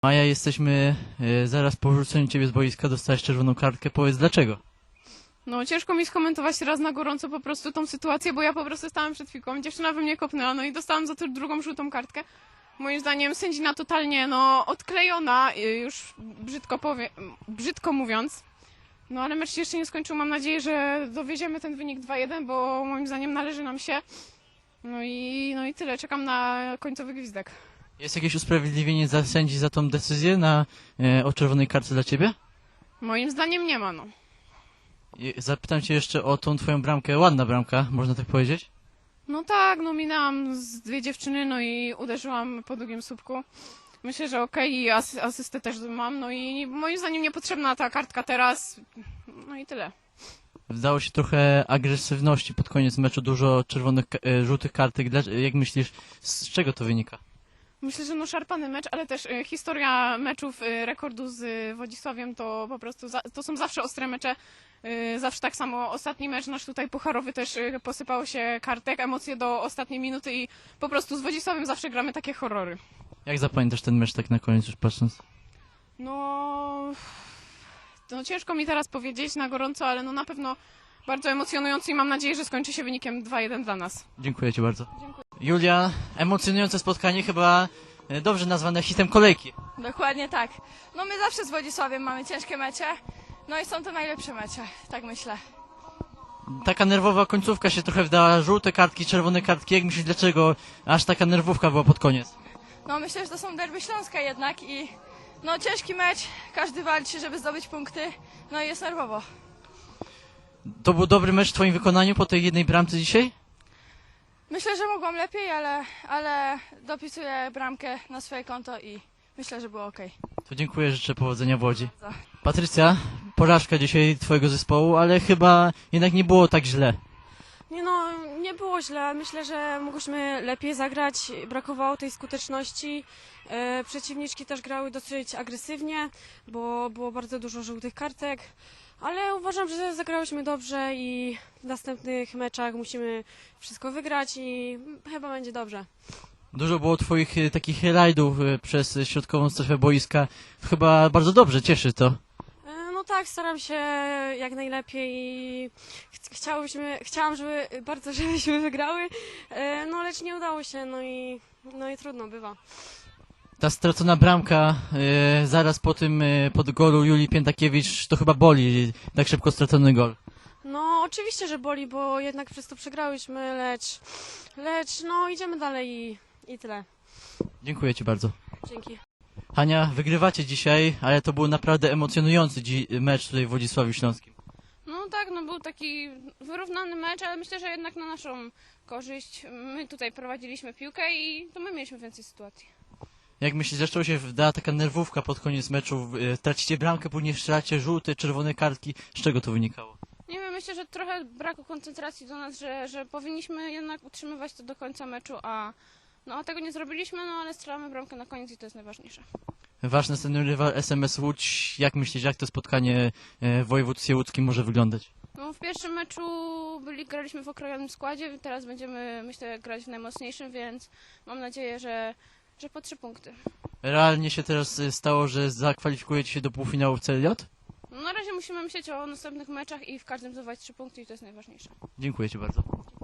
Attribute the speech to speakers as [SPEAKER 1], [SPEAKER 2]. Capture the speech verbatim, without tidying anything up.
[SPEAKER 1] Maja, jesteśmy e, zaraz po wyrzuceniu ciebie z boiska, dostałeś czerwoną kartkę, powiedz dlaczego?
[SPEAKER 2] No ciężko mi skomentować teraz na gorąco po prostu tą sytuację, bo ja po prostu stałam przed piłką, dziewczyna we mnie kopnęła, no i dostałam za to drugą żółtą kartkę. Moim zdaniem sędzina totalnie, no, odklejona, y, już brzydko powie, brzydko mówiąc. No ale mecz się jeszcze nie skończył, mam nadzieję, że dowieziemy ten wynik dwa jeden, bo moim zdaniem należy nam się. No i, no i tyle, czekam na końcowy gwizdek.
[SPEAKER 1] Jest jakieś usprawiedliwienie za sędzi za tą decyzję na, e, o czerwonej kartce dla ciebie?
[SPEAKER 2] Moim zdaniem nie ma, no.
[SPEAKER 1] I zapytam cię jeszcze o tą twoją bramkę, ładna bramka, można tak powiedzieć?
[SPEAKER 2] No tak, no minęłam z dwie dziewczyny, no i uderzyłam po drugim słupku. Myślę, że okej, i asy asystę też mam, no i moim zdaniem niepotrzebna ta kartka teraz, no i tyle.
[SPEAKER 1] Wdało się trochę agresywności pod koniec meczu, dużo czerwonych, e, żółtych kartek, Dla, jak myślisz, z czego to wynika?
[SPEAKER 2] Myślę, że no szarpany mecz, ale też y, historia meczów y, rekordu z y, Wodzisławiem to po prostu, za, to są zawsze ostre mecze, y, zawsze tak samo. Ostatni mecz nasz tutaj pucharowy też y, posypało się kartek, emocje do ostatniej minuty i po prostu z Wodzisławiem zawsze gramy takie horrory.
[SPEAKER 1] Jak zapamiętasz ten mecz tak na koniec już patrząc?
[SPEAKER 2] No, no ciężko mi teraz powiedzieć na gorąco, ale no na pewno bardzo emocjonujący i mam nadzieję, że skończy się wynikiem dwa jeden dla nas.
[SPEAKER 1] Dziękuję ci bardzo.
[SPEAKER 2] Dziękuję.
[SPEAKER 1] Julia, emocjonujące spotkanie, chyba e, dobrze nazwane hitem kolejki.
[SPEAKER 3] Dokładnie tak. No my zawsze z Wodzisławiem mamy ciężkie mecze, no i są to najlepsze mecze, tak myślę.
[SPEAKER 1] Taka nerwowa końcówka się trochę wdała, żółte kartki, czerwone kartki, jak myślisz dlaczego aż taka nerwówka była pod koniec?
[SPEAKER 3] No myślę, że to są derby Śląska jednak i no ciężki mecz, każdy walczy, żeby zdobyć punkty, no i jest nerwowo.
[SPEAKER 1] To był dobry mecz w twoim wykonaniu po tej jednej bramce dzisiaj?
[SPEAKER 3] Myślę, że mogłam lepiej, ale, ale dopisuję bramkę na swoje konto i myślę, że było ok.
[SPEAKER 1] To dziękuję, życzę powodzenia w Łodzi.
[SPEAKER 3] Bardzo.
[SPEAKER 1] Patrycja, porażka dzisiaj twojego zespołu, ale chyba jednak nie było tak źle.
[SPEAKER 4] Nie no, nie było źle. Myślę, że mogliśmy lepiej zagrać. Brakowało tej skuteczności. E, przeciwniczki też grały dosyć agresywnie, bo było bardzo dużo żółtych kartek. Ale uważam, że zagrałyśmy dobrze i w następnych meczach musimy wszystko wygrać i chyba będzie dobrze.
[SPEAKER 1] Dużo było twoich e, takich highlightów e, przez środkową strefę boiska. Chyba bardzo dobrze, cieszy to.
[SPEAKER 4] E, no tak, staram się jak najlepiej i ch chciałyśmy, chciałam, żeby bardzo żebyśmy wygrały, e, no lecz nie udało się, no i, no i trudno bywa.
[SPEAKER 1] Ta stracona bramka e, zaraz po tym, e, pod golu Julii Piętakiewicz, to chyba boli, tak szybko stracony gol.
[SPEAKER 4] No oczywiście, że boli, bo jednak przez to przegrałyśmy, lecz, lecz no idziemy dalej i, i tyle.
[SPEAKER 1] Dziękuję ci bardzo.
[SPEAKER 4] Dzięki.
[SPEAKER 1] Hania, wygrywacie dzisiaj, ale to był naprawdę emocjonujący dzi- mecz tutaj w Wodzisławiu Śląskim.
[SPEAKER 2] No tak, no był taki wyrównany mecz, ale myślę, że jednak na naszą korzyść. My tutaj prowadziliśmy piłkę i to my mieliśmy więcej sytuacji.
[SPEAKER 1] Jak myślisz, zaczęła się wdała taka nerwówka pod koniec meczu, e, tracicie bramkę, później strzelacie żółte, czerwone kartki. Z czego to wynikało?
[SPEAKER 2] Nie wiem, myślę, że trochę braku koncentracji do nas, że, że powinniśmy jednak utrzymywać to do końca meczu, a, no, a tego nie zrobiliśmy, no ale strzelamy bramkę na koniec i to jest najważniejsze.
[SPEAKER 1] Wasz następny rywal S M S Łódź, jak myślisz, jak to spotkanie e, w województwie łódzkim może wyglądać?
[SPEAKER 2] No, w pierwszym meczu byli, graliśmy w okrojonym składzie, teraz będziemy, myślę, grać w najmocniejszym, więc mam nadzieję, że, że po trzy punkty.
[SPEAKER 1] Realnie się teraz e, stało, że zakwalifikujecie się do półfinału w C L J?
[SPEAKER 2] No, na razie musimy myśleć o następnych meczach i w każdym zdobywać trzy punkty i to jest najważniejsze.
[SPEAKER 1] Dziękuję ci bardzo.